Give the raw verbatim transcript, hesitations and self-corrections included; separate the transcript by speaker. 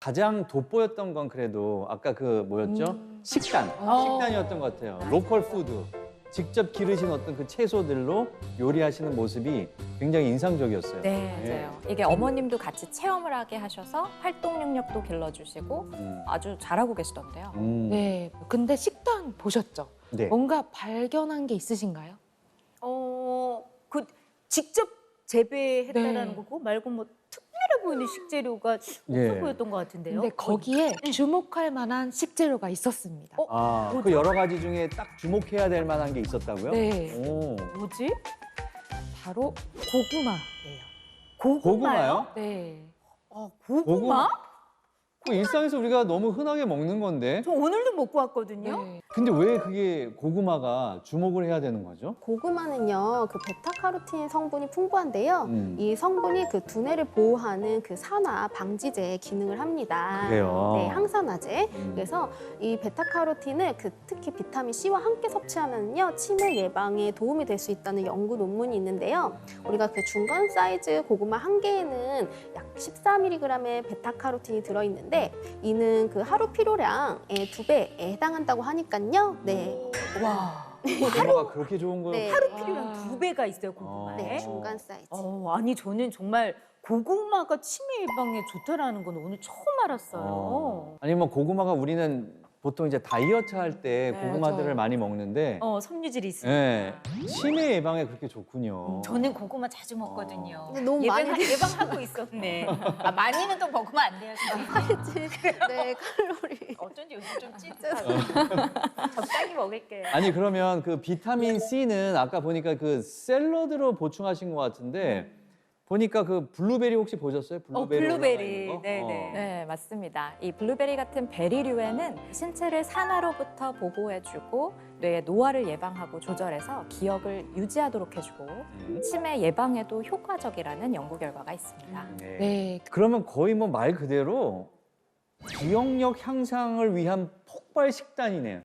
Speaker 1: 가장 돋보였던 건 그래도 아까 그 뭐였죠?
Speaker 2: 음.
Speaker 1: 식단.
Speaker 2: 어.
Speaker 1: 식단이었던 것 같아요. 로컬 푸드. 직접 기르신 어떤 그 채소들로 요리하시는 모습이 굉장히 인상적이었어요.
Speaker 3: 네,
Speaker 1: 예.
Speaker 3: 맞아요. 이게 어머님도 같이 체험을 하게 하셔서 활동 능력도 길러주시고
Speaker 1: 음.
Speaker 3: 아주 잘하고 계시던데요.
Speaker 1: 음.
Speaker 2: 네. 근데 식단 보셨죠?
Speaker 1: 네.
Speaker 2: 뭔가 발견한 게 있으신가요?
Speaker 4: 어, 그 직접 재배했다라는
Speaker 2: 네.
Speaker 4: 거고 말고 뭐 특별해 보이는 식재료가 없어
Speaker 1: 예.
Speaker 4: 보였던 것 같은데요.
Speaker 2: 근데 거기에 주목할 만한 식재료가 있었습니다.
Speaker 4: 어?
Speaker 1: 아, 그
Speaker 4: 뭐죠?
Speaker 1: 여러 가지 중에 딱 주목해야 될 만한 게 있었다고요?
Speaker 2: 네.
Speaker 1: 오.
Speaker 4: 뭐지?
Speaker 2: 바로 고구마예요.
Speaker 1: 고구마요?
Speaker 2: 네.
Speaker 4: 어, 고구마?
Speaker 1: 고구마? 그 일상에서 우리가 너무 흔하게 먹는 건데.
Speaker 4: 저 오늘도 먹고 왔거든요.
Speaker 2: 네.
Speaker 1: 근데 왜 그게 고구마가 주목을 해야 되는 거죠?
Speaker 5: 고구마는요, 그 베타카로틴 성분이 풍부한데요.
Speaker 1: 음.
Speaker 5: 이 성분이 그 두뇌를 보호하는 그 산화 방지제 기능을 합니다.
Speaker 1: 그래요?
Speaker 5: 네, 항산화제.
Speaker 1: 음.
Speaker 5: 그래서 이 베타카로틴을 그 특히 비타민 C와 함께 섭취하면요, 치매 예방에 도움이 될 수 있다는 연구 논문이 있는데요. 우리가 그 중간 사이즈 고구마 한 개에는 약 십사 밀리그램의 베타카로틴이 들어있는데 이는 그 하루 필요량의 두 배에 해당한다고 하니까요. 네.
Speaker 4: 와,
Speaker 1: 고구마가 그렇게 좋은 거요?
Speaker 5: 네.
Speaker 4: 하루
Speaker 2: 와.
Speaker 4: 필요량 두 배가 있어요, 고구마에.
Speaker 5: 네,
Speaker 1: 어.
Speaker 5: 중간 사이즈.
Speaker 4: 어, 아니 저는 정말 고구마가 치매 예방에 좋다라는 건 오늘 처음 알았어요.
Speaker 1: 어. 아니 뭐 고구마가 우리는 보통 이제 다이어트 할 때
Speaker 4: 네,
Speaker 1: 고구마들을
Speaker 2: 맞아요.
Speaker 1: 많이 먹는데
Speaker 4: 어, 섬유질이 있으니까.
Speaker 1: 예, 치매 예방에 그렇게 좋군요.
Speaker 4: 저는 고구마 자주 먹거든요.
Speaker 5: 근데 너무
Speaker 4: 예방,
Speaker 5: 많이
Speaker 4: 예방하고 있었네. 아, 많이는 또 먹으면 안 돼요. 선생님.
Speaker 5: 네, 칼로리.
Speaker 4: 어쩐지 요즘 좀 찌져서 적당히 먹을게요.
Speaker 1: 아니 그러면 그 비타민 C는 아까 보니까 그 샐러드로 보충하신 것 같은데 보니까 그 블루베리 혹시 보셨어요?
Speaker 4: 어,
Speaker 1: 블루베리.
Speaker 4: 블루베리.
Speaker 1: 올라가 있는 거?
Speaker 4: 네네.
Speaker 1: 어.
Speaker 3: 네, 맞습니다. 이 블루베리 같은 베리류에는 신체를 산화로부터 보호해주고 뇌의 노화를 예방하고 조절해서 기억을 유지하도록 해주고
Speaker 1: 음.
Speaker 3: 치매 예방에도 효과적이라는 연구 결과가 있습니다.
Speaker 1: 네.
Speaker 2: 네.
Speaker 1: 그러면 거의 뭐 말 그대로 기억력 향상을 위한 폭발 식단이네요.